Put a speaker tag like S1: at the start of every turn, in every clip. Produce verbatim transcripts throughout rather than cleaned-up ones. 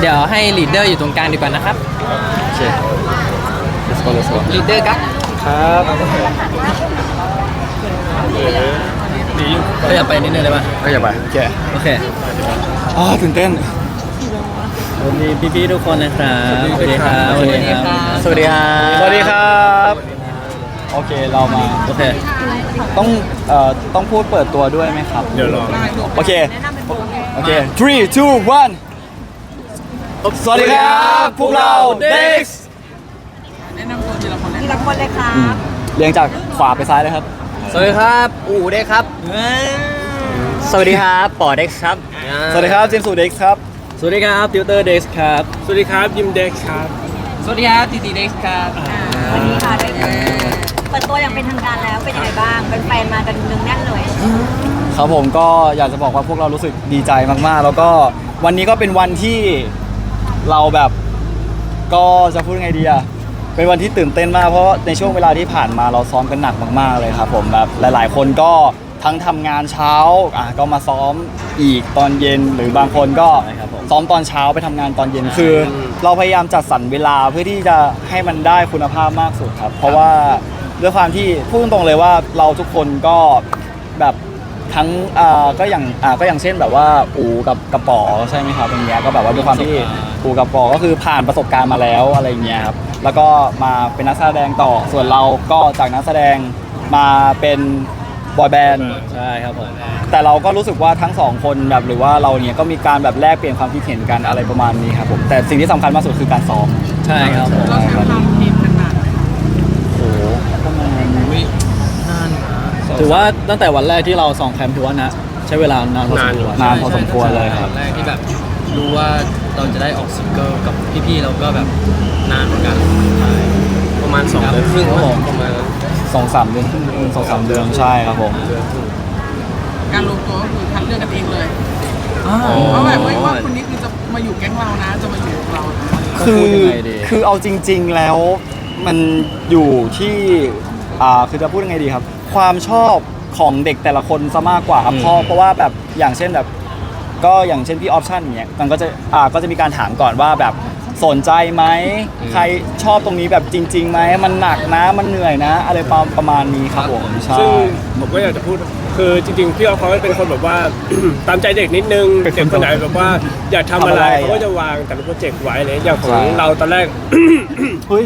S1: เดี๋ยวให้ลีดเดอร์อยู่ตรงกลางดีกว่านะครับ
S2: โอเค let's go let's go
S1: ลีดเดอร์ครับ
S2: ครับ
S1: ก็อย่าไปนิดนึงเลยป่ะ
S2: ก็อย่าไปโอเค
S1: โอเค
S2: อ๋อตื่นเต้น
S1: สวัสดีพี่ๆทุกคนนะครับสวัสดีครับสวัสดีครับ
S2: สวัสดีครับสวัสดีครับโอเคเรามา
S1: โอเค
S2: ต้องเอ่อต้องพูดเปิดตัวด้วยไหมครับ
S3: เดี๋ยวรอ
S2: โอเคโอเค three two one สวัสดีครับพวกเรา Dex
S4: แนะนำตัวทีละคนทีละคนเลยครับ
S2: เรียงจากขวาไปซ้ายเลยครับ
S1: สวัสดีครับอู๋เด็กครับ
S2: สวัสดีครับปอเด็กครับสวัสดีครับเจมส์สูเด็กครับ
S1: สวัสดีครับติวเตอร์เด็กครับ
S3: สวัสดีครับยิมเด็กครับ
S1: สวัสดีครับตีตีเด็กครับ
S4: สวัสดีค่ะเด็กเปิดตัวอย่างเป็นทางการแล้วเป็นยังไงบ้างเป็นแฟนมากันนึงแน่นเลย
S2: ครับผมก็อยากจะบอกว่าพวกเรารู้สึกดีใจมากๆแล้วก็วันนี้ก็เป็นวันที่เราแบบก็จะพูดไงดีอะเป็นวันที่ตื่นเต้นมากเพราะในช่วงเวลาที่ผ่านมาเราซ้อมกันหนักมากๆเลยครับผมแบบหลายๆคนก็ทั้งทำงานเช้าอ่ะก็มาซ้อมอีกตอนเย็นหรือบางคนก็ซ้อมตอนเช้าไปทำงานตอนเย็นคือเราพยายามจัดสรรเวลาเพื่อที่จะให้มันได้คุณภาพมากสุดครับเพราะว่าด้วยความที่พูดตรงๆเลยว่าเราทุกคนก็แบบทั้งอ่าก็อย่างอ่าก็อย่างเช่นแบบว่าอูกับกระป๋อใช่ไหมครับอย่างเงี้ยก็แบบว่าด้วยความที่อูกับกระป๋อก็คือผ่านประสบการณ์มาแล้วอะไรเงี้ยครับแล้วก็มาเป็นนักแสดงต่อส่วนเราก็จากนักแสดงมาเป็นบอยแบนด์
S1: ใช่ครับผม
S2: แต่เราก็รู้สึกว่าทั้งสองคนแบบหรือว่าเราเนี่ยก็มีการแบบแลกเปลี่ยนความคิดเห็นกันอะไรประมาณนี้ครับผมแต่สิ่งที่สำคัญมากสุดคือการซ้อม
S1: ใช่ครับผม
S4: เราใช้ความคิดกันนานไหม
S2: โอ้โหประมาณ
S1: วินานนะถือว่าตั้งแต่วันแรกที่เราสองแคมป์ถือว่านะใช้เวลานานพอสมควร
S2: นานพอสมควรเลยครับ
S1: วันแรกที่แบบรู้ว่าเราจะได้ออกซิงเกิลกับพี่ๆเราก็แบบนานเหมือนกัน
S3: ประมาณสองเดือนครึ่งครับผมประมาณ
S2: สองสามเดือนสองสามเดือนใช่ครับผม
S4: การรวมตัวก็คือคัดเลือกกันเองเลยเพราะแบบไม่ว่าคนนี้คือจะมาอยู่แก๊งเรานะจะมาอยู่กับเรา
S2: คือคือเอาจริงๆแล้วมันอยู่ที่อ่าคือจะพูดยังไงดีครับความชอบของเด็กแต่ละคนซะมากกว่าครับเพราะเพราะว่าแบบอย่างเช่นแบบก็อย่างเช่นพี่ออปชั่นอย่างเงี้ยมันก็จะอ่าก็จะมีการถามก่อนว่าแบบสนใจไหมใครชอบตรงนี้แบบจริงๆไหมมันหนักนะมันเหนื่อยนะอะไรประมาณนี้ครับผมใช่
S3: ซึ่งผมก็อยากจะพูดคือจริงๆพี่ออฟเขาเป็นคนแบบว่า ตามใจเด็กนิดนึงเด็กคนไหนแบบว่าอยากทำอะไรเขาก็จะวางแต่ละโปรเจกต์ไว้เลยอย่างของเราตอนแรก
S2: เฮ้ย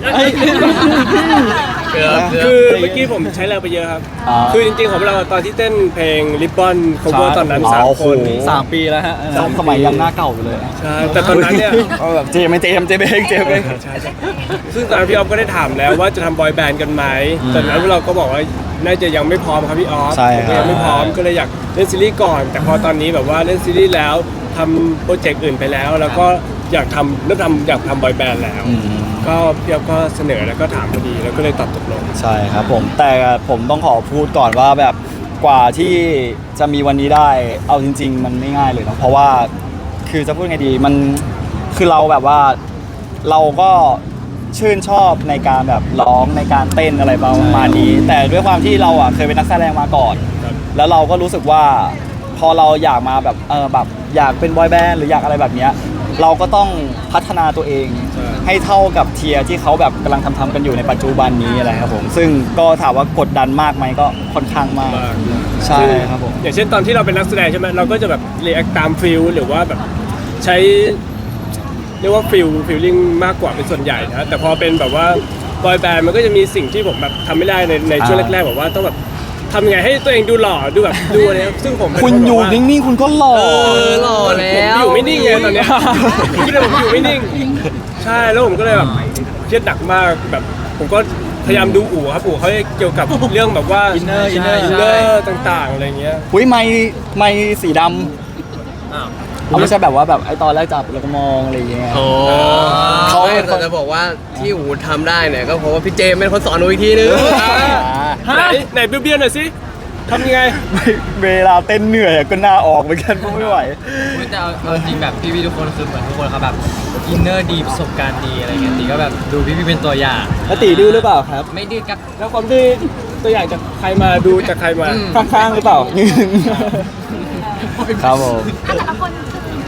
S3: คือเมื่อกี้ผมใช้แรงไปเยอะครับคือจริงๆของเราตอนที่เต้นเพลงริบบอนโคเวอร์ตอนนั้นสามคน
S1: สามปีแล้วฮะ
S2: สมัยยังหน้าเก่าอยู่เลย
S3: ใช่แต่ตอนนั้นเนี่ย
S2: แบบเจมเจมเจมเองเจมเอง
S3: ซึ่งตอนนั้นพี่ออฟก็ได้ถามแล้วว่าจะทำบอยแบนด์กันไหมตอนนั้นเราก็บอกว่าน่าจะยังไม่พร้อมครับพี่ออฟยังไม่พร้อมก็เลยอยากเล่นซีรีส์ก่อนแต่พอตอนนี้แบบว่าเล่นซีรีส์แล้วทำโปรเจกต์อื่นไปแล้วแล้วก็อยากทำเริ่มทำอยากทำบอยแบนด์แล้วก็พี่ออฟก็เสนอแล้วก็ถามพอดีแล้วก็เลยตอบตกลง
S2: ใช่ครับผมแต่ผมต้องขอพูดก่อนว่าแบบกว่าที่จะมีวันนี้ได้เอาจริงๆมันไม่ง่ายเลยนะเพราะว่าคือจะพูดไงดีมันคือเราแบบว่าเราก็ชื่นชอบในการแบบร้องในการเต้นอะไรประมาณนี้แต่ด้วยความที่เราอ่ะเคยเป็นนักแสดงมาก่อนแล้วเราก็รู้สึกว่าพอเราอยากมาแบบเออแบบอยากเป็นบอยแบนด์หรืออยากอะไรแบบเนี้ยเราก็ต้องพัฒนาตัวเองให้เท่ากับเทียร์ที่เขาแบบกำลังทำทำกันอยู่ในปัจจุบันนี้อะไรครับผมซึ่งก็ถามว่ากดดันมากไหมก็ค่อนข้างมากใช่ครับผม
S3: อย่างเช่นตอนที่เราเป็นนักแสดงใช่ไหมเราก็จะแบบเรียกตามฟิลหรือว่าแบบใช้เรียกว่าฟิลฟิลลิ่งมากกว่าเป็นส่วนใหญ่นะแต่พอเป็นแบบว่าบอยแบนด์มันก็จะมีสิ่งที่ผมแบบทำไม่ได้ในในช่วงแรกๆแบบว่าต้องแบบทำยังไงให้ตัวเองดูหล่อดูแบบดูอะไรซึ่งผม
S2: คุณอยู่นิ่งๆคุณก็หล่อ
S1: หล่อแล้ว
S3: อยู่ไม่นิ่งไงตอนนี้คิดเลยผมอยู่ไม่นิ่งใช่แล้วผมก็เลยแบบเครียดหนักมากแบบผมก็พยายามดูอู่ครับอู่เขาเกี่ยวกับเรื่องแบบว่า
S1: อินเนอร์อินเนอร์
S3: อินเนอร์ต่างๆอะไรเงี้ย
S2: หุ้ยไม้ไม้สีดำเขาไม่ใช่แบบว่าแบบไอตอนแรกจับแล้วก็มองอะไรอย่างเงี้ย
S1: เขาแต่จะบอกว่าที่อูทำได้เนี่ยก็เพราะว่าพี่เจมเป็นคนสอนอูอีกทีนึง
S3: ไหนไหนเบี้ยวๆหน่อยสิทำยังไง
S2: เวลาเต้นเหนื่อยก็หน้าออกเหมือนกันไม่ไหว
S1: แต่เอาจริงแบบพี่ๆทุกคนคือเหมือนทุกคนเขาแบบอินเนอร์ดีประสบการณ์ดีอะไรเงี้ยตีก็แบบดูพี่ๆเป็นตัวอย่าง
S2: แล้วตีดื้อหรือเปล่าครับ
S1: ไม่ดื้อครับ
S3: แล้วความดื้อตัวอย่างจากใครมาดูจากใครมา
S2: ข้างๆหรือเปล่าครับผม
S4: แต่ละคนคือแ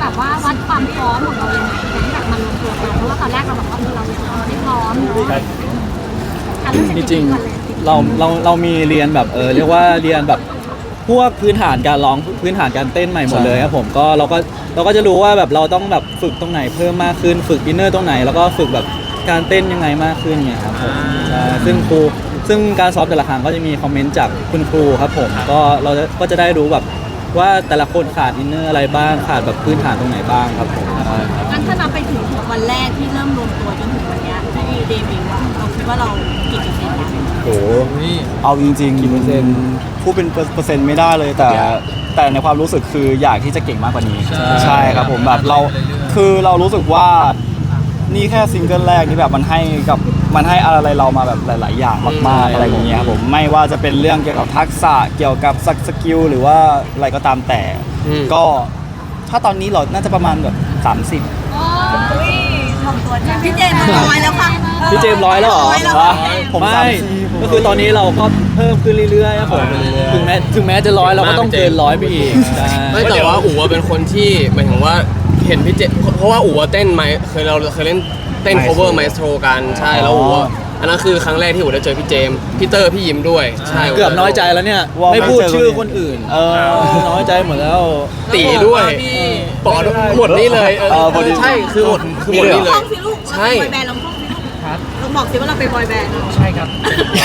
S5: แบบว่าวัดความพร้อมของเรายังไงในการที่แบบมารวมตัวกันเพราะว่าตอนแรกเราบอกว่าเราเราไม่พร้อมเนาะอ่ะเริ่มจาก
S2: จริง
S5: ก่อนเลย
S2: ๆเราเราเรามีเรียนแบบเออเรียกว่าเรียนแบบพวกพื้นฐานการร้องพื้นฐานการเต้นใหม่หมดเลยครับผมก็เราก็เราก็จะรู้ว่าแบบเราต้องแบบฝึกตรงไหนเพิ่มมากขึ้นฝึกอินเนอร์ตรงไหนแล้วก็ฝึกแบบการเต้นยังไงมากขึ้นเนี่ยครับผมใช่ซึ่งครูซึ่งการซ้อมแต่ละครั้งก็จะมีคอมเมนต์จากคุณครูครับผมก็เราจะก็จะได้รู้แบบว่าแต่ละคนขาดอินเนอร์อะไรบ้างขาดแบบพื้นฐานตรงไหนบ้างครับผมใช่ครับ
S5: งั้นถ้านับไปถึงวันแรกที่เริ่มรวมตัวจนถึงวันเนี้ยที่เดบิวต์อะเราคิดว่าเรากี่เปอร์เซ็นต์แล้ว
S2: โอ้โห
S1: อุ้ย
S2: เอาจริงๆกี่เปอร์เซ็นต์พูดเป็นเปอร์เซ็นต์ไม่ได้เลยแต่แต่ในความรู้สึกคืออยากที่จะเก่งมากกว่านี้
S1: ใช่
S2: ครับผมแบบเรา
S1: เรื่อยๆ
S2: คือเรารู้สึกว่านี่แค่ซิงเกิลแรกนี่แบบมันให้กับมันให้อะไรเรามาแบบหลาย ๆ อย่างมากๆอะไรอย่างเงี้ยครับผมไม่ว่าจะเป็นเรื่องเกี่ยวกับทักษะเกี่ยวกับสกิลหรือว่าอะไรก็ตามแต่
S3: อืม
S2: ก็ถ้าตอนนี้เราน่าจะประมาณแบบสามสิบ
S5: โอ้ยทำตัวจ้าพี่เจมส์ร้อยแล้วค่ะ
S2: พี่เจมส์ร้อยแล้วเหรอ
S5: ร้อยแล้ว
S2: วะ
S5: ค่ะ
S2: ผม
S6: ไม่
S2: สามสิบ
S6: ก็คือตอนนี้เราก็เพิ่มขึ้นเรื่อยๆครับผมถึงแม้ถึงแม้จะร้อยเราก็ต้องเกินร้อยไปอีกใช่
S7: ไม่แต่ว่าอู๋อะเป็นคนที่หมายถึงว่าเห็นพี่เจเพราะว่าอู๋อะเต้นไมเคยเราเคยเล่นเต้น cover maestro กันใช่แล้วอู๋อะอันนั้นคือครั้งแรกที่อู๋ได้เจอพี่เจมส์พี่เตอร์พี่ยิมด้วยใช่
S6: เกือบน้อยใจแล้วเนี่ย
S2: ว่า
S6: ไม่พูด
S2: ไม่เจอ
S6: ชื่อคนอื่น
S2: เออ
S6: น้อยใจหมดแล้ว
S7: ตีด้วย
S1: พี่
S7: ปอดหมดนี่เลย
S2: เออพอดี
S7: ใช่คือหมดคือหมดนี่เล
S5: ท่อย งสิลูก
S7: ใช่
S5: เราเป็นบอยแบนด์เราท่องสิลูก
S1: ครับ
S5: เราบอกสิว่าเราเป็นบอยแบนด์
S1: ใช่ครับ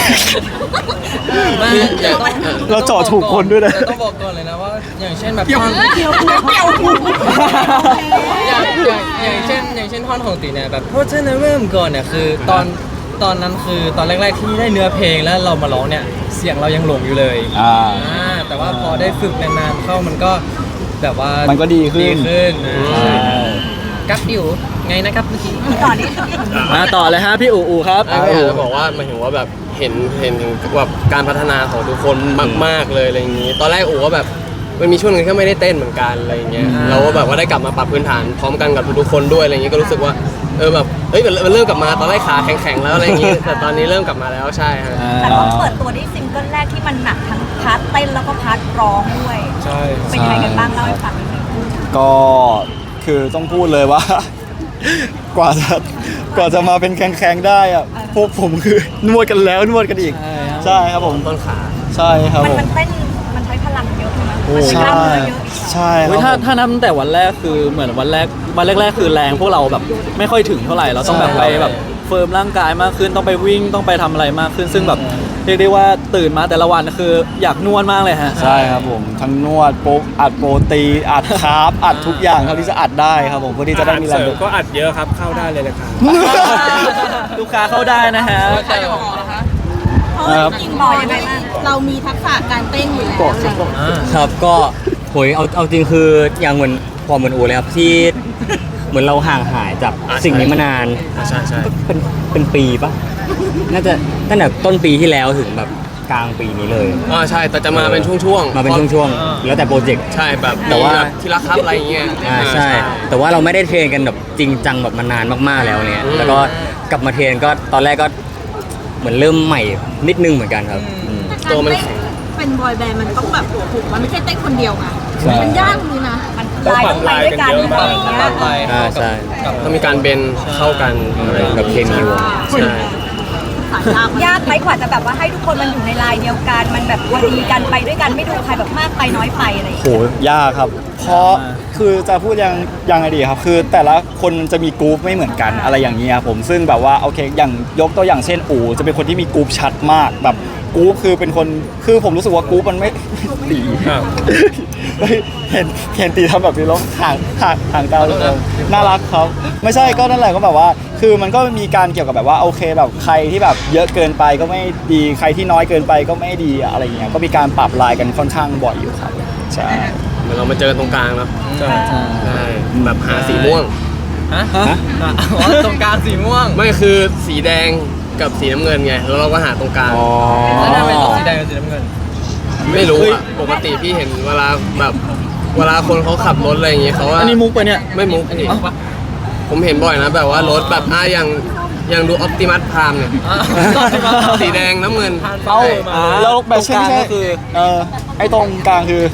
S1: ไม่
S7: อย่า
S1: ต้อง
S2: เราเจาะถูกคนด้วยนะ
S1: แต่ต้องบอกก่อนเลยนะว่าอย่างเช่นแบบ
S4: เกี่ยว
S1: ท่อน
S4: เกี่ยวเกี่ยวหู
S1: อย่างอย่างอย่างเช่นอย่างเช่นท่อนของตีเนี่ยแบบเพราะฉะนั้นเริ่มก่อนเนี่ยคือตอนตอนนั้นคือตอนแรกๆที่ได้เนื้อเพลงแล้วเรามาร้องเนี่ยเสียงเรายังหลงอยู่เลย
S2: อ่า
S1: อ่าแต่ว่าพอได้ฝึกนานๆเข้ามันก็แบบว่า
S2: มันก็ดีขึ้น
S1: ดีขึ้นอ่า
S2: ใช่
S1: กับอยู่ไงนะครับเมื่อกี้
S5: ต่อนี้
S6: มาต่อเลยฮะพี่อูอูครับ
S7: อ่ะก็อยากจะบอกว่าหมายถึงว่าแบบเห็นเห็นถึงแบบการพัฒนาของทุกคนมาก ๆเลยอะไรอย่างนี้ ตอนแรกอู๋ก็แบบมันมีช่วงหนึงที่ไม่ได้เต้นเหมือนกันอะไรอย่างเงี้ยเราก็แบบว่าได้กลับมาปรับพื้นฐานพร้อมกันกับทุกๆคนด้วยอะไรอย่างงี้ก็รู้สึกว่าเออแบบเฮ้ยมันเริ่มกลับมาตอนแรกขาแข็งๆแล้วอะไรอย่างงี้แต่ตอนนี้เริ่มกลับมาแล้วใช่ฮะ
S5: แต่ว่าเปิดตัวได้ซิงเกิลแรกที่มันหนักทั้งพาร์ทเต้นแล้วก็พาร์ทร้องด้วย
S3: ใช่
S5: เป็นยังไงกันบ้างเล่าให้ฟังนิดนึง
S2: ก็คือต้องพูดเลยว่า กว่าจะกว่าจะมาเป็นแข็งๆได้อะพวกผมคือนวดกันแล้วนวดกันอีก ใช่ครับผม
S7: ต้นขา
S2: ใช่ครับ
S5: มัน
S2: ผม
S5: มันเต้นมันใช้พลังเยอะใช่ไหม
S2: โอ้
S5: มันใช้
S2: ใช่
S5: กล้ามเนื้อเยอะอีก
S2: ใช่ค
S6: เฮ้
S2: รั
S6: ย
S2: บ
S6: ถ้า
S2: ผม
S6: ถ้านับตั้งแต่วันแรกคือเหมือนวันแรกวันแรกๆคือแรงพวกเราแบบไม่ค่อยถึงเท่าไหร่เราต้องแบบไปแบบเฟิร์มร่างกายมากขึ้นต้องไปวิ่งต้องไปทำอะไรมากขึ้น ซึ่งแบบเรียกได้ว่าตื่นมาแต่ละวันคืออยากนวดมากเลยฮะ
S2: ใช่ครับผมทั้งนวดโป๊กอัดโปรตีนอัดคาร์บอัดทุกอย่างเท่าที่จะอัดได้ครับผมเพื่อที่จะได้มีแร
S3: เส
S2: ง
S3: ริมก็อัดเยอะครับเข้าได้เลยนะครับ
S6: ลูกค้าเข้าได้นะฮะ
S4: ใครจะบอกนะคะ
S5: เพราะว่าจริงๆบอกยังไงบ้างเรามีทักษะการเต้นอยู่แล้วอะไรอย่างเงี้ย
S8: ครับก็โหยเอาเอาจริงคืออย่างเหมือนพอเหมือนอูเลยครับที่เหมือนเราห่างหายจาก
S7: อ่า
S8: สิ่งนี้มานาน
S7: อ่ะใช่ใช่
S8: ก็เป็นเป็นปีปะน่าจะตั้งแต่ต้นปีที่แล้วถึงแบบกลางปีนี้เลย
S7: อ่าใช่แต่จะมาเป็นช่วงๆ
S8: มาเป็นช่วงๆแล้วแต่โปรเจกต์
S7: ใช่แบบ
S8: แต่ว่า
S7: มีบบทีละครับอะไรอย่างเงี้ย
S8: อ่าใช่ แต่ว่าเราไม่ได้เทรนกันแบบจริงจังแบบมานานมากๆแล้วเนี่ย
S7: อืม
S8: แล้วก็กลับมาเทรนก็ตอนแรกก็เหมือนเริ่มใหม่นิดนึงเหมือนกันครับอืม
S7: ตัวมันแข็ง
S5: เป็นบอยแบนด์มันต้องแบบถูกมันไม่ใช่เต้นคนเดียวไง
S2: ใช่
S5: มันยากเลยนะมัน
S3: ต้องปรับลายกันเยอะมาก
S5: อะไรอย่างเงี้ย
S1: ปรับไป
S8: อ่าใช่
S7: ต้องมีการเบนเข้ากันอะไรอย่าง
S8: กับ
S7: เงี้ย
S8: เคมีวง
S7: ใช่
S5: ยากไหมกว่าจะแบบว่าให้ทุกคนมันอยู่ในลายเดียวกัน มันแบบพอดีกันไปด้วยกันไม่ดูใครแบบมากไปน้อยไปอะไรอย่าง
S2: โห
S5: เงี้ย
S2: ยากครับ เพราะคือจะพูดยังยังไงดีครับ คือแต่ละคนจะมีกรุ๊ปไม่เหมือนกันอะไรอย่างเงี้ยครับผมซึ่งแบบว่าโอเคอย่างยกตัวอย่างเช่นอูจะเป็นคนที่มีกรุ๊ปชัดมากแบบกรุ๊ปคือเป็นคนคือผมรู้สึกว่ากรุ๊ปมันไม่ ตี
S3: อ้าว
S2: เฮ้ยเห็นเห็นตีทำแบบนี้แล้วห่างห่างห่างกันเลยน่ารักครับไม่ใช่ก็นั่นแหละก็แบบว่า คือมันก็มีการเกี่ยวกับแบบว่าโอเคแบบใครที่แบบเยอะเกินไปก็ไม่ดีใครที่น้อยเกินไปก็ไม่ดีอะไรอย่างเงี้ยก็มีการปรับลายกันค่อนข้างบ่อยอยู่ครับใช่
S7: เหมือนเรามาเจอตรงกลางเนาะ
S3: ใช่
S7: ใช่แบบหาสีม่วง
S1: ฮะอ๋อตรงกลางสีม่วง
S7: ไม่คือสีแดงกับสีน้ำเงินไงแล้วเราก็หาตรงกลาง
S1: แล้วทำไมต้องสีแดงกับสีน้ำเงิน
S7: ไม่รู้อ่ะปกติพี่เห็นเวลาแบบเวลาคนเขาขับรถอะไรอย่างเงี้ยเขาว่า
S6: อันนี้มุกไปะเนี่ย
S7: ไม่มุกพี่ผมเห็นบ่อยนะแบบว่ารถแบบอ่ะอย่างอย่างดูออปติมัสพามเนี่ย
S1: อ่า
S7: สีแดงน้ำเงิน
S2: เอา
S1: มา
S2: แล้วแบบเช่น
S6: ตรงกลาง
S2: ใช่
S6: ก็คือ
S2: เออไอ้ตรงกลางคือ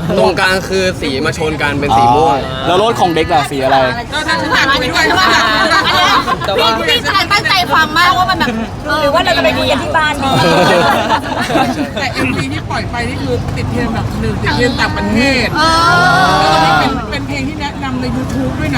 S7: ตรงกลางคือสีมาชนกันเป็นสีม่วง
S2: แล้วรถของเด็กล่ะสีอะไร
S4: ก็ถ้าฉันอยากคุยด้วยว่า
S1: แต่ว่า
S5: พี่ชายตั้งใจฟังมากว่ามันแบบหรือว่าเราจะไปคุยกันที่บ้านดี
S4: แต่ เอ็ม วี ที่ปล่อยไปนี่คือติดเทรนด์แบบหนึ่งติดเทรนด์ต่างประเทศ
S5: เอ
S4: แล้วก็
S5: อ
S4: เป็นเป็นเพลงที่แนะนำใน YouTube ด้วยนะ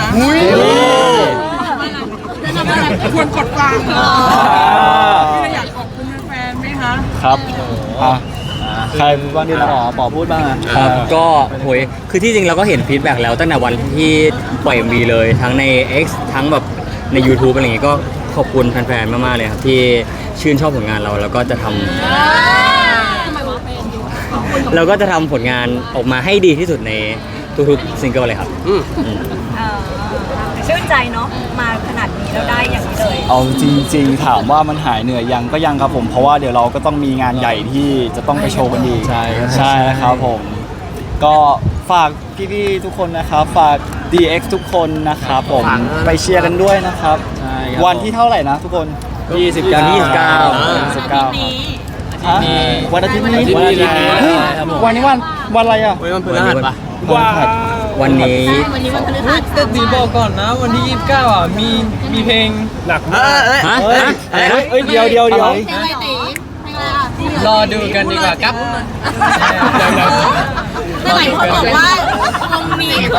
S5: แนะนำว่าอะไร
S4: ควรกดฟังพี่เลยอยากขอบคุณแฟนๆไหมคะ
S2: ครับอ่ะใครบ้างดีนะ
S6: ปอปอพูดบ้างอะ
S8: ครับก็โหยคือที่จริงเราก็เห็นฟีดแบ็กแล้วตั้งแต่วันที่ปล่อย เอ็ม วี เลยทั้งใน X ทั้งแบบใน YouTube อะไรอย่างงี้ก็ขอบคุณแฟนๆ มากๆ เลยครับที่ชื่นชอบผลงานเราแล้วก็จะทำเราก็จะทำผลงานออกมาให้ดีที่สุดในทุกๆซิงเกิลเลยครับ
S7: อืม
S5: ชื่นใจเนาะมาขนาดนี้แล้วได้อย่างนี้เลย
S2: เอาจริงๆถามว่ามันหายเหนื่อยยังก็ยังครับผมเพราะว่าเดี๋ยวเราก็ต้องมีงานใหญ่ที่จะต้องไปโชว์กันอีก
S6: ใช่ครับ
S2: ใช่ครับผม ก็ฝากพี่ๆทุกคนนะครับฝาก ดี เอ็กซ์ ทุกคนนะครับผม
S7: ฝากนะ
S2: ไปเชียร์กันด้วยนะครับ
S6: ใช่ครับ
S2: วันที่เท่าไหร่นะทุกคน
S6: ยี่สิบเก้า
S8: ยี่สิบเก้า
S2: ยี่สิบเก้าฮะวันอาทิตย์นี้
S6: วันอาทิตย์นี้
S2: เฮ้ย
S6: ครับผม
S2: วันนี้วันวันอะไรอ่ะ
S7: วันนี้มันพฤหัสปะ
S2: วันพฤหัส
S8: วันนี้
S5: วันนี้วันพฤหัส
S1: แต่ตีบอกก่อนนะวันที่ยี่สิบเก้าอ่ะมีมีเพลง
S3: หนักมาก
S8: ฮะ
S2: เฮ้ย
S8: ฮะอะไรนะ
S2: เฮ้ยเดี๋ยวเดี๋ยวเดี๋ยว
S5: เพลงอะไรตีเพลงอะไรอ่ะ
S1: รอดูกันดีกว่าครับ
S5: แต่หลายคนบอกว่าวงนี้คือ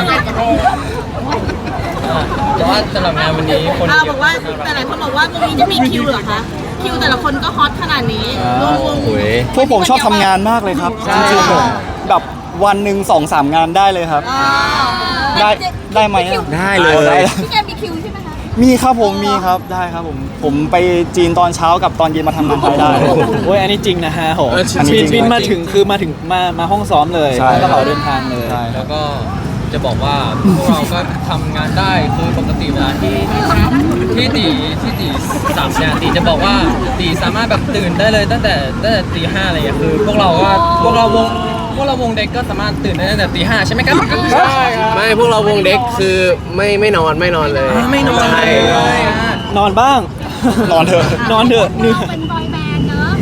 S1: แต่ว่าสำหรับงานวันนี้คน
S5: อ้าว
S1: เย
S5: บอ
S1: อะ
S5: กว่าแต่หลายคนบอกว่าวงนี้จะมีคิวเหรอคะคิวแต่ละคนก็ฮอตขนาดนี้วงวง
S8: โอ้ย
S2: พวกผมชอบทำงานมากเลยครับจริงๆผมแบบวันหนึ่งสองสามงานได้เลยครับ ได้ได้ไหมอะ
S8: ได้เลย
S2: ได้
S5: พี่แกมีคิวใช่ไหมคะ
S2: มีครับผมมีครับได้ครับผมผมไปจีนตอนเช้ากับตอนเย็นมาทำงานไทยได้
S6: โอ้ยอันนี้จริงนะฮะโห
S7: เออจริง
S6: บินบินมาถึงคือมาถึงมามาห้องซ้อมเลย
S2: ใช่
S6: กระเป๋าเดินทางเลย
S2: ใช่
S1: แล้วก็จะบอกว่าพวกเราก็ทำงานได้คือปกติเวลาที่ที่ตีที่ตีสามเนี่ยตีจะบอกว่าตีสามารถแบบตื่นได้เลยตั้งแต่ตั้งแต่ตีห้าอะไรอย่างเงี้ยคือพวกเราก็พวกเราวงพวกเราวงเด็กก็สามารถตื่นได้ตั้งแต่ตีห้าใช่ไหมครับใช่ครับ
S7: ไม่พวกเราวงเด็กคือไม่ไม่นอนไม่นอนเลย
S1: ไม่นอน
S7: ใช่
S1: เลยอ่ะ
S6: นอนบ้าง
S2: นอนเถอะ
S6: นอนเถอะเหนื่อย
S5: เป็นบอยแบนด์เนอะ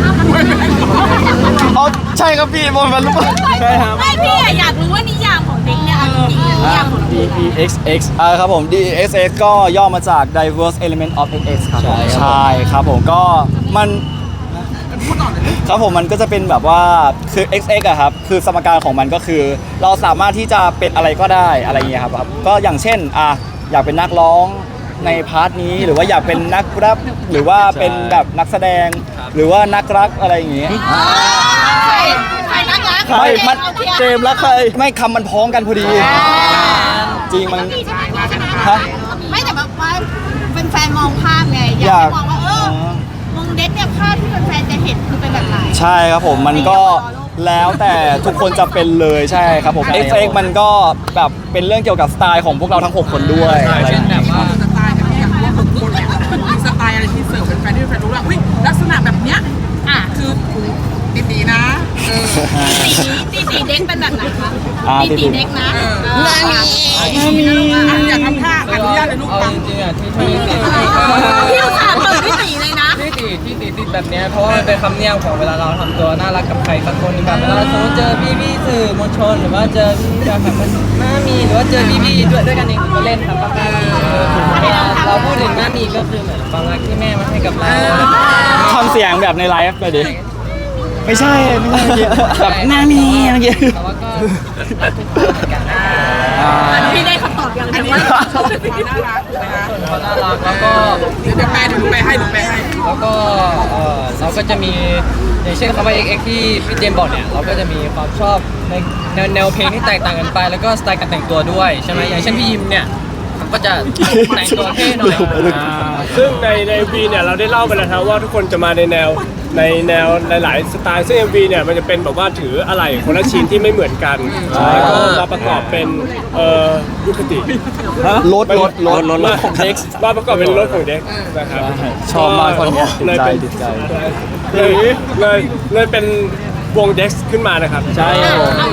S2: อ๋อใช่ครับพี่บนมันรู้ป่ะ
S6: ใช่ครับ
S5: ไม่พี่อะอยากรู้ว่านิยามของเด็กเนี่ยเอาจริงๆนิยามของ
S6: D E X X
S2: อ่าครับผม ดี เอ็กซ์ เอ็กซ์ ก็ย่อมาจาก diverse element of เอ็กซ์ เอ็กซ์ ครับผม
S6: ใช่ครับ
S2: ใช่ครับผมก็มันครับผมมันก็จะเป็นแบบว่าคือ เอ็กซ์ เอ็กซ์ อะครับคือสมการของมันก็คือ เราสามารถที่จะเป็นอะไรก็ได้อะไรอย่างเงี้ยครับก็อย่างเช่นอ่ะอยากเป็นนักร้องในพาร์ทนี้หรือว่าอยากเป็นนักแรปหรือว่าเป็นแบบนักแสดง หรือว่านักรักอะไรอย่างเงี้ย
S5: ใครใครรักรัก
S2: ไม่มัน
S5: เอาเทีย
S2: เจมส์แล้วใครไม่คำมันพ้องกันพอดี จริงมัน
S5: พี่ใช่ไหมใช่ไหม
S2: ฮะ
S5: ไม่แต่แบบว่าเป็นแฟนมองภาพไงอยาก
S2: อยาก
S5: ให้มองว่าเออวงเด็กเนี่ยภาพที่แฟนๆจะเห็นคือเป็นแบบไหน
S2: ใช่ครับผมมันก็แล้วแต่ทุกคนจะเป็นเลยใช่ครับผม
S6: ใช่ครับ
S2: เอ็กซ์ เอ็กซ์ มันก็แบบเป็นเรื่องเกี่ยวกับสไตล์ของพวกเราทั้งหกคนด้วยอะไรอ
S1: เช่น
S2: ย่าง
S1: แบ
S2: เงี้ย
S1: บว่า
S4: สไตล์แบบอยากรู้ว่าคนเนี่ยมันมีสไตล์อะไรที่เสิร์ฟเป็นแฟนที่แฟนรู้ว่าอุ้ยลักษณะแบบเนี้ย
S5: อ่ะ
S4: คือดีดีๆนะเออ
S5: ตีตีเด็กเป็นแบบไหนคะ
S2: อ่า
S5: ตีตีเด็กนะ
S4: เออ
S5: เอออ่ะ
S4: อ่ะอยากทำท่าอนุญาตเลยลูก
S1: เอา
S4: ฟัง
S1: จริงๆอ่ะที่ที่ติด
S5: พี่อุตส่าห์เปิดพี่ตีเลยนะ
S1: ที่ติดที่ติดติดแบบเนี้ยเพราะว่ามันเป็นคำเนียมของเวลาเราทำตัวน่ารักกับใครสักคนหนึงแบบเวลาสมมติเจอพี่พี่ๆสื่อมวลชนหรือว่าเจอพี่จากแบบหน้ามีหรือว่าเจอพี่พี่ๆด้วยด้วยกันเองก็เล่นครับป้าเวลาเราพูดถึงหน้ามีก็คือเหมือนความรักที่แม่มาให้กับเรา
S2: ทำเสียงแบบในไลฟ์ไปดิไม่ใช่ไม่ใช่แบบหน้ามีเมื่อกี้
S1: แต่ว่าก็ทุกคนเหมือนกันนะ
S5: พี่ได้คำตอบอย่าง
S4: อัน
S5: เดียว
S4: นี้
S5: ว่า
S4: ชอบความน่ารักนะคะ
S1: เขาน่ารักแล้วก็
S4: เดี๋ยวแปลเดี๋ยวแปลให้เดี๋ยวแปลให้
S1: แล้วก็เอ่อเราก็จะมีอย่างเช่นคำว่า เอ็กซ์ เอ็กซ์ ที่พี่เจมส์บอกเนี่ยเราก็จะมีความชอบในแนวแนวเพลงที่แตกต่างกันไป แล้วก็สไตล์การแต่งตัวด้วยใช่ไหมอย่างเช่นพี่ยิมเนี่ยก็จะแต่งตัวเท่หน่อย
S3: ซึ่งในใน เอ็ม วี เนี่ยเราได้เล่าไปแล้วครับว่าทุกคนจะมาในแนวในแนวหลาย ๆ สไตล์ซึ่ง เอ็ม วี เนี่ยมันจะเป็นแบบว่าถืออะไรคนละชิ้นที่ไม่เหมือนกันแล้วก็มาประกอบเป็นเอ่อยุคติ
S2: รถรถรถ
S3: รถของเด็กมาประกอบเป็นรถของเด็กนะครับ
S2: ชอบมากคนเนี้ยติด
S3: เลย
S2: ใจ
S3: เป็น
S2: ติดใจ
S3: เลยเลยเลยเป็นวงเด็กขึ้นมานะครับ
S6: ใช่
S5: อ่ะเอาใหม่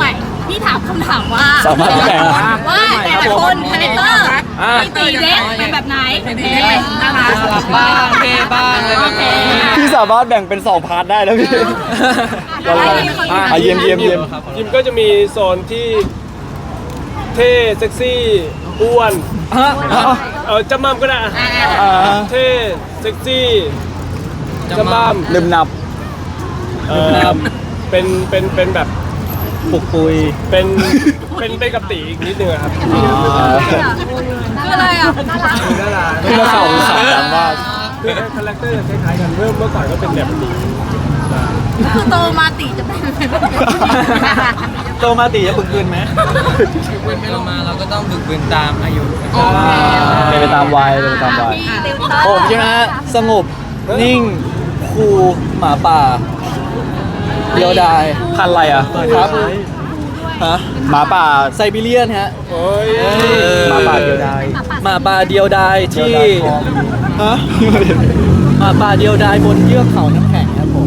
S5: พี่ถามคำถามว่า
S2: สามารถแบ่ง
S5: ว่าแต่ละคนคาแรคเตอร์พี่ตีเด็กเป็นแบบไหนเป็นเพลงน่ารัก
S1: บ้างเท่บ้างอะไรแบบนี้
S2: พี่สามารถแบ่งเป็นสองพาร์ทได้แล้วพี่
S5: อะไร
S2: อ่ะเยี่ยมเยี่ยมเยี่ยม
S3: ยิมก็จะมีโซนที่เท่เซ็กซี่อ้วนเออจำมั่มก็ได้อะ
S2: อ่า
S3: เท่เซ็กซี่จำมั่ม
S2: ลืมนับ
S3: เออเป็นเป็นเป็นแบบ
S2: ปุกปุย
S3: เป็นเป็นเป็นกับตีอีกนิดนึงอะครับ
S5: คืออะไรอ่ะน่ารัก
S3: น่ารัก
S2: เมื่อเขาขายกันว่า
S3: คือคาแรคเตอร์จะคล้ายๆกันเมื่อเมื่อก่อนก็เป็นแบบนี้
S5: คือโตมาตีจะเป็นแบบ
S6: โตมาตีจะบึกบืนไหม
S1: เรามาเราก็ต้องบึกบืนตามอายุ
S2: เป็นไปตามวัยเป็นไปตามวัย
S6: ผมใช่ไหมฮะสงบนิ่งคูลหมาป่าเดียวดาย
S2: พันธุ์อะไรอ่ะ
S6: ครับฮะ
S2: หมาป่า
S6: ไซบีเรียนฮะ
S3: โอ้ย
S2: หมาป่าเดียวดาย
S6: หมาป่าเดียวดายที่
S2: เดียวดายของ
S6: ฮะหมาป่าเดียวดายบนเยือกเขาน้ำแข็งครับผม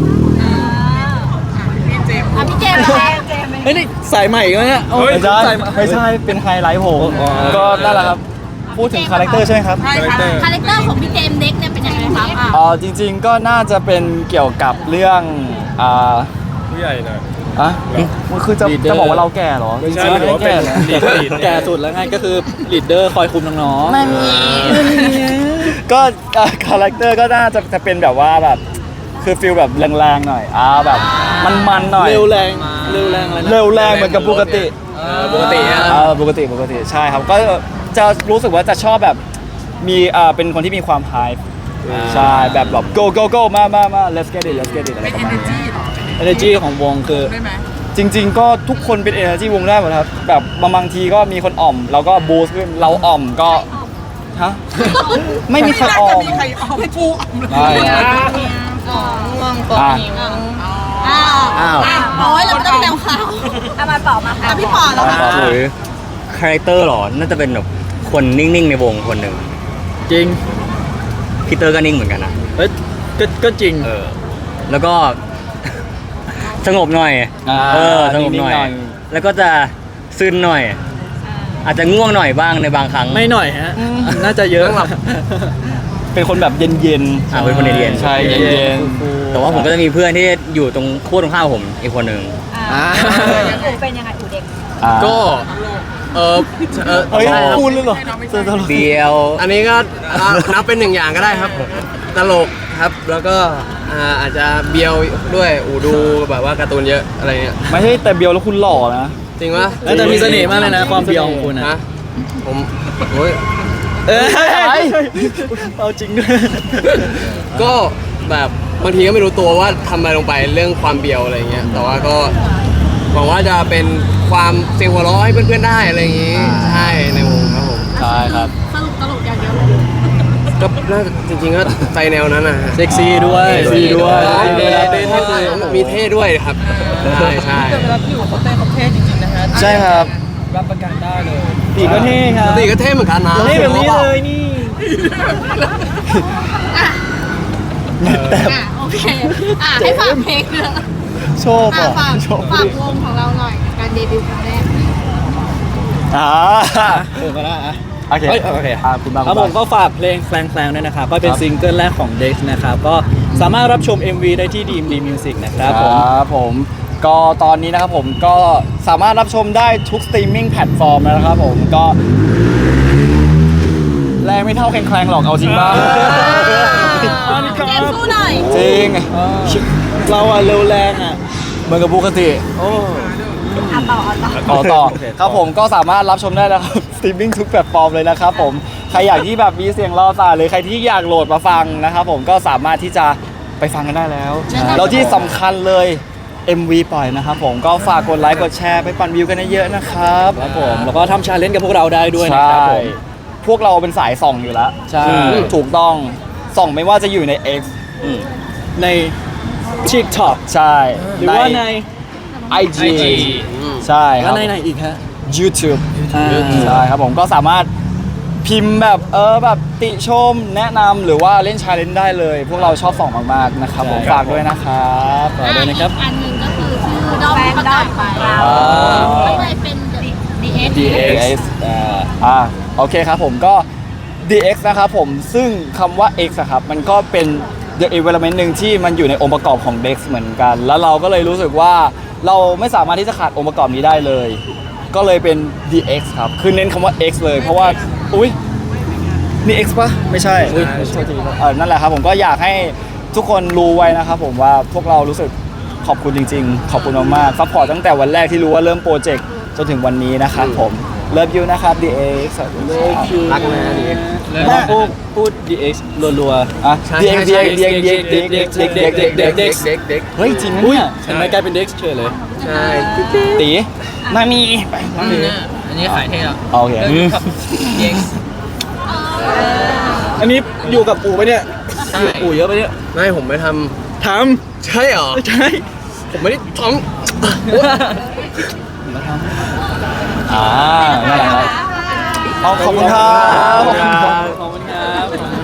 S5: อ่ะพี่เจมส์นะคะเจมส์
S6: เฮ้ยนี่สายใหม่กันเนี่ย
S2: ไม่ใช่
S6: สายใหม่
S2: ไม่ใช่เป็นไฮไลท์ผม
S6: อ๋อ
S2: ก็นั่นแหละครับ พูดถึงคาแรคเตอร์ใช่ไหมครับ
S4: ใช่ค่ะ
S5: คาแรคเตอร์ของพี่เจมส์เด็กเนี่ยเป็นยังไงครับอ่ะ
S2: อ๋อจริง ๆ ก็น่าจะเป็นเกี่ยวกับเรื่องอ่า
S3: ผู้ใหญ่หน่อย
S2: อ่ะมันคือจะ
S6: Leader
S2: จะบอกว่าเราแก่เหรอ
S3: ไม่ใช่
S2: จริงๆ
S3: หรือว่าเป็น
S2: แก่
S3: ลีดลีด
S6: แก่สุดแล้วไงก็คือลีดเดอร์คอยคุมน้องๆ
S2: ไม่มีก็อ่ะคาแรคเตอร์ก็น่าจะจะเป็นแบบว่าแบบคือฟิลแบบแรงๆหน่อยอ่าแบบมันๆหน่อย
S6: เร็วแรงเร็วแรงอะไรนะ
S2: เร็วแรงเหมือนกับปกติ
S7: ปกติอะ
S2: เออปกติปกติใช่ครับก็จะรู้สึกว่าจะชอบแบบมีเอ่อเป็นคนที่มีความไฮใช่แบบแบบ go go go มามามา let's get it let's get it อะไร
S4: เป็น
S2: ประมาณนี้
S4: energy เหรอ
S6: energy ของวงคือ
S4: ได้ไหม
S2: จริง ๆ ก็ทุกคนเป็น energy วงได้หมดครับแบบบางทีก็มีคนอ่อมเราก็ boost ขึ้นเราอ่อมก็ฮะไม่มีใครอ่อม
S4: ไม่มีใครออมฟูอ่อมเลย
S2: ใช่ อ่ะ
S5: อ้าว
S2: อ้าว
S5: โอ้ยเราต้องแนวข่าวเอามาต่อมาค่ะพี่ปอแล้วค่ะ
S8: หรือคาแรคเตอร์หรอ น่าจะเป็นแบบคนนิ่ง ๆ ในวงคนหนึ่ง
S6: จริง
S8: พีเตอร์ก็นิ่งเหมือนกันนะ
S6: เอ้ยก็ก็จริง
S8: เออ แล้วก็ สงบหน่อย
S2: อ่า
S8: เออ สงบหน่อย
S2: นิ่งๆหน่อย
S8: แล้วก็จะซึนหน่อย อาจจะง่วงหน่อยบ้างในบางครั้ง
S6: ไม่หน่อยฮะ น่าจะเยอะ
S2: เป็นคนแบบเย็น
S8: อ่าเป็นคนเรียนๆ
S2: ใช่เย็น
S8: แต่ว่าผมก็จะมีเพื่อนที่อยู่ตรงขั้วตรงข้ามผมอีกคนหนึ่ง
S6: อ่า
S5: อูเป็นยังไงอูเด็ก
S2: ๆอ่า
S7: ก็ เออเออ
S2: เฮ้ย
S7: ใช่ครับ
S2: พูดเลยเหรอเจอตลก
S8: เดียว
S7: อันนี้ก็อ่ะนับเป็นหนึ่งอย่างก็ได้ครับ ตลกครับ แล้วก็อ่าอาจจะเบียวด้วยอูดูแบบว่าการ์ตูนเยอะอะไรเงี้ย
S2: ไม่ใช่แต่เบียวแล้วคุณหล่อนะ
S7: จริงปะ
S6: แล้วแต่มีเสน่ห์มากเลยนะความเบียวของคุณนะ
S7: ฮะผมโอ้ย
S6: เอ้ยเอาจริงด้วย
S7: ก็แบบบางทีก็ไม่รู้ตัวว่าทำอะไรลงไปเรื่องความเบียวอะไรเงี้ย แต่ว่าก็หวังว่าจะเป็นความเสียงหัวเราะให้เพื่อนๆได้อะไรอย่างงี้ ใช่ในวงครับผม
S2: ใช่ครับ
S5: สรุปตลกอย่างเดียวเลย
S7: ก็น่าจริงๆก็ใจแนวนั้นนะฮะ
S6: เซ็กซี่ด้วย
S2: เซ็กซี่ด้วย
S6: เวลาเต้นก็คือ
S7: มีเท่ด้วยครับ ใช่ใช่
S1: แต่เวลาพี่อยู่เขาเต้นเขาเท่จริงๆนะฮะ
S2: ใช่ครับ
S1: รับประกันได้เลย
S6: ตีก็เท่ครับ
S7: ปกติก็เท่เหมือนกันนะ
S6: เท่แบบนี้เลยนี่
S5: อ่ะโอเคอ่ะให้ฝากเพลงเนอะ
S2: โชว์
S5: อ่ะ
S2: ป่ะ
S5: ฝาก
S2: โชว์
S5: ฝากวงของเราหน่อยกับการเดบิวต์ครั้งแรก
S2: อ่า
S6: เออก็ได้อะ
S2: โอเค
S6: เฮ้ยโอเค
S2: อ่าคุณบาง
S6: ครับผมก็ฝากเพลงแฟลงๆด้วยนะครับ ก็เป็นซิงเกิลแรกของ Dex นะครับ ก็สามารถรับชม เอ็ม วี ได้ที่ ดี เอ็ม ดี Music นะครับผม
S2: ครับผมก็ตอนนี้นะครับผมก็สามารถรับชมได้ทุกสตรีมมิ่งแพลตฟอร์มแล้วนะครับผมก็แรงไม่เท่าแคลงๆหรอกเอาจริงป่ะ
S5: เจมส์สู้หน่อย
S2: จริง
S6: เราอะเร็วแรงอะ
S2: เหมือนกับปกติ
S6: โอ้
S5: อ่ะต่ออ่ะต่อ
S2: ต่อต่อ
S6: โอเคต่อ
S2: ครับผมก็สามารถรับชมได้นะครับ สตรีมมิ่งทุกแพลตฟอร์มเลยนะครับผมใครอยากที่แบบมีเสียงรอสายหรือใครที่อยากโหลดมาฟังนะครับผมก็สามารถที่จะไปฟังกันได้แล้วแล้วที่สำคัญเลย เอ็ม วี ปล่อยนะครับผมก็ฝากกดไลค์กดแชร์ไปปั่นวิวกันเยอะๆนะครับ
S6: ครับผมแล้วก็ทำชาเลนจ์กับพวกเราได้ด้วยนะ
S2: ใช่
S6: ครับผม
S2: พวกเราเป็นสายส่องอยู่แล้ว
S6: ใช่
S2: ถูกต้องส่องไม่ว่าจะอยู่ใน X
S6: ใน TikTok
S2: ใช่
S6: หรือว่าใน
S2: ไอ จี
S1: ไอจี
S2: ใช่ค
S6: แล้
S2: รั
S6: ว
S2: บ
S6: ในไหนอีกฮะ
S2: YouTube
S6: อ่า
S2: ใช่ครับผมก็สามารถพิมพ์แบบเออแบบติชมแนะนำหรือว่าเล่นชาเลนจ์ได้เลย พวกเราชอบส่องมากๆนะครับผม
S6: ใช่ครับ
S2: ฝากด้วยนะครับ
S6: ฝากด้วยนะครับ
S5: อันหนึ่งก็คือชื่อดอมประกาศไปก็เลยเป็น ดี เอ็กซ์
S2: ดี เอ็กซ์ อ่าอ่าโอเคครับผมก็ ดี เอ็กซ์ นะครับผมซึ่งคำว่า X อะครับมันก็เป็น the element หนึ่งที่มันอยู่ในองค์ประกอบของ Dex เหมือนกัน แล้วเราก็เลยรู้สึกว่าเราไม่สามารถที่จะขาดองค์ประกอบนี้ได้เลย ก็เลยเป็น ดี เอ็กซ์ ครับคือเน้นคำว่า X เลยเพราะว่าอุ้ยนี่ X ปะไม่ใช่อุ้ยโทษทีครับเออนั่นแหละครับผมก็อยากให้ทุกคนรู้ไว้นะครับผมว่าพวกเรารู้สึกขอบคุณจริงๆ ขอบคุณมากๆซัพพอร์ตตั้งแต่วันแรกที่รู้ว่าเริ่มโปรเจกต์จนถึงวันนี้นะครับผมเลิฟยูนะครับ ดี เอ็กซ์ เลิฟยู
S7: รักนะดี
S6: แล้วพูดพูด ดี เอ็กซ์ รัว
S2: ๆอ่ะ ดี เอ็กซ์ ดี เอ็กซ์ ดี เอ็กซ์ ดี เอ็กซ์ ดี เอ็กซ์ ดี เอ็กซ์
S7: เด็กเด็ก
S2: เฮ้ยจริงนะ
S6: ๆอุ้ย
S2: เนี่ย
S6: เห็นไหมกลายเป็น Dex เฉยเลย
S7: ใช่
S2: ตีมามีไปมามี
S1: อันนี้ขายเท่แล้ว
S2: โอเค
S1: เริ่มกับ ดี เอ็กซ์
S6: อันนี้อยู่กับปู่ปะเนี่ย
S1: ใช่
S6: อยู่ปู่เยอะปะเนี่ย
S7: ไม่ผมไม่ท
S6: ท
S7: ำใช่เหรอ
S6: ำใช่
S7: ผมไม่ได้ท
S2: อ่านั่นแหละครับเอาขอบคุณครับ
S6: ขอบคุณครับ